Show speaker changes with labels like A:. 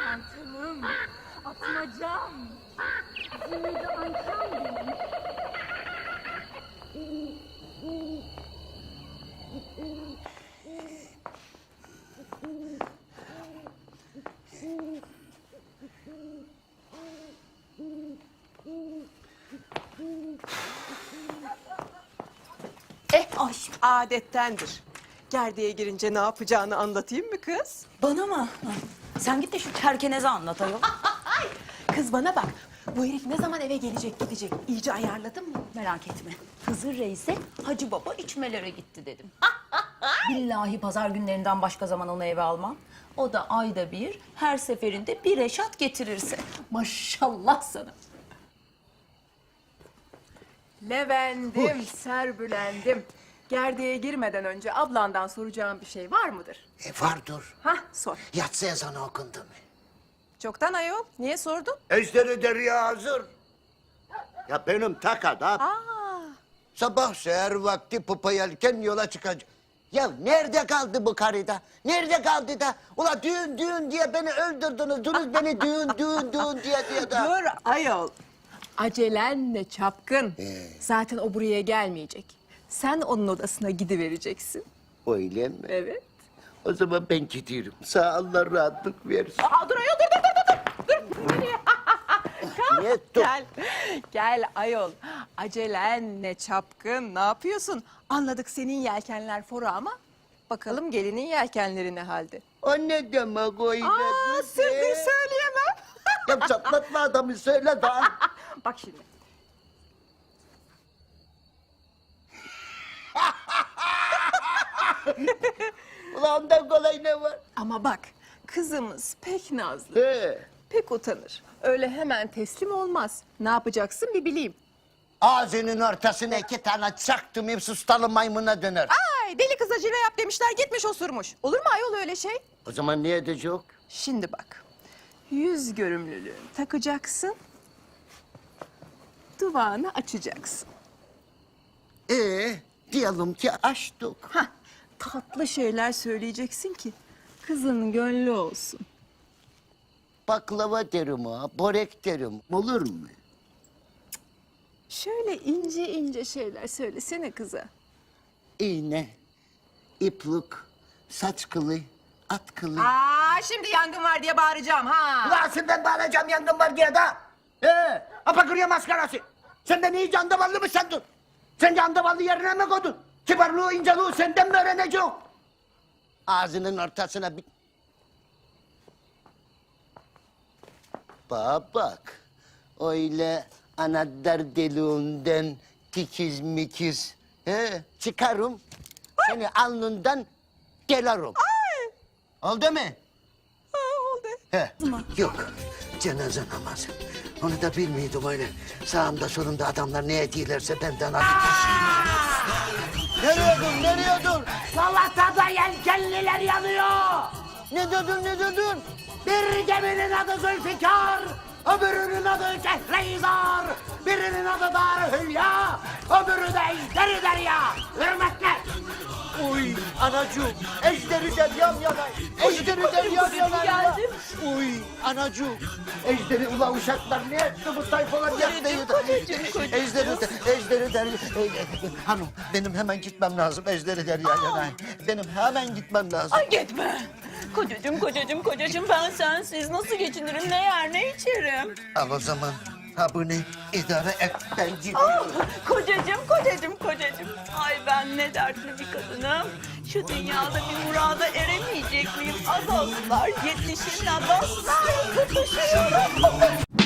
A: Pırlantalım, atmacam, zümrüdü ankam benim.
B: Ay, adettendir. Gerdeğe girince ne yapacağını anlatayım mı kız?
C: Bana mı? Sen git de şu çerkeneze anlat ayol.
B: Kız bana bak. Bu herif ne zaman eve gelecek gidecek? İyice ayarladın mı?
C: Merak etme. Hızır Reis'e Hacı Baba içmelere gitti dedim. Billahi pazar günlerinden başka zaman onu eve almam. O da ayda bir, her seferinde bir eşat getirirse. Maşallah sana.
D: Levendim, serbülendim. Gerdeğe girmeden önce ablandan soracağım bir şey var mıdır?
E: Vardır.
D: Hah, sor.
E: Yatsı ezanı okundu mu?
B: Çoktan ayol. Niye sordun?
E: Ejderi derya hazır. Ya benim tak adam. Sabah seher vakti pupa yelken yola çıkacak. Ya nerede kaldı bu karıda? Nerede kaldı da? Ula düğün düğün diye beni öldürdünüz. Dünüz beni düğün düğün düğün diye da.
D: Dur ayol. Acelenle çapkın. Zaten o buraya gelmeyecek. Sen onun odasına gidivereceksin.
E: Öyle mi?
D: Evet.
E: O zaman ben gidiyorum. Sağ Allah rahatlık versin.
D: Aa, dur ayol, dur.
E: Niye dur?
D: Gel, gel ayol. Acelenle çapkın. Ne yapıyorsun? Anladık senin yelkenler fora ama bakalım gelinin yelkenleri ne halde?
E: O ne demek öyle?
D: Aa, sırdır söyleyemem.
E: Ya çatlatma adamı söyle daha.
D: Bak şimdi.
E: Ulan ondan kolay ne var?
D: Ama bak, kızımız pek nazlı,
E: He.
D: pek utanır. Öyle hemen teslim olmaz. Ne yapacaksın bir bileyim.
E: Ağzının ortasına 2 tane çaktım, hep sustalı maymuna döner.
D: Ay, deli kız acele yap demişler, gitmiş osurmuş. Olur mu ayol öyle şey?
E: O zaman ne edecek?
D: Şimdi bak, yüz görümlülüğünü takacaksın, duvağını açacaksın.
E: Diyelim ki açtık.
D: Hah, tatlı şeyler söyleyeceksin ki kızın gönlü olsun.
E: Baklava derim ha, börek derim. Olur mu?
D: Şöyle ince ince şeyler söylesene kıza.
E: İğne, iplik, saç kılı, at kılı.
D: Aa, şimdi yangın var diye bağıracağım ha.
E: Ulan ben bağlayacağım yangın var diye da. Apakırıyor maskarası. Sen de iyice andavallı mı sandın? Sen de andavallı yerine mi koydun? Kibarlığı, inceliği senden mi öğrenecek? Ağzının ortasına bir... Bak, öyle anahtar deliğinden tikiz mikiz çıkarım. Seni alnından delarım. Oldu mu?
D: Oldu.
E: He. Yok, cenaze namazı. Onu da bilmiyordum öyle. Sağımda solumda adamlar ne ediyorlarsa benden alıp... Nereye dur?
F: Salatada yelkenliler yanıyor.
E: Ne dedin?
F: Bir geminin adı Zülfikar, öbürünün adı Kehreizar, birinin adı Darühülya, öbürü de Ejderi Derya. Hürmetler.
E: Uy anacığım, ejderi deryam yanar. Ejderi deryam yanar. Uy anacığım, ejderi ulan uşaklar ne etti bu tayfalar yaptıydı. Ejderi derya. Hanım benim hemen gitmem lazım, ejderi derya yanar. Benim hemen gitmem lazım.
C: Ay gitme. Kocacığım ben sensiz nasıl geçinirim, ne yer ne içerim?
E: Al o zaman, ha bu ne idare et ben gidiyorum.
C: Kocacığım. Ay ben ne dertli bir kadınım. Şu dünyada bir murada eremeyecek miyim? Azaldılar, yetişimle dostlar tutuşuyorum.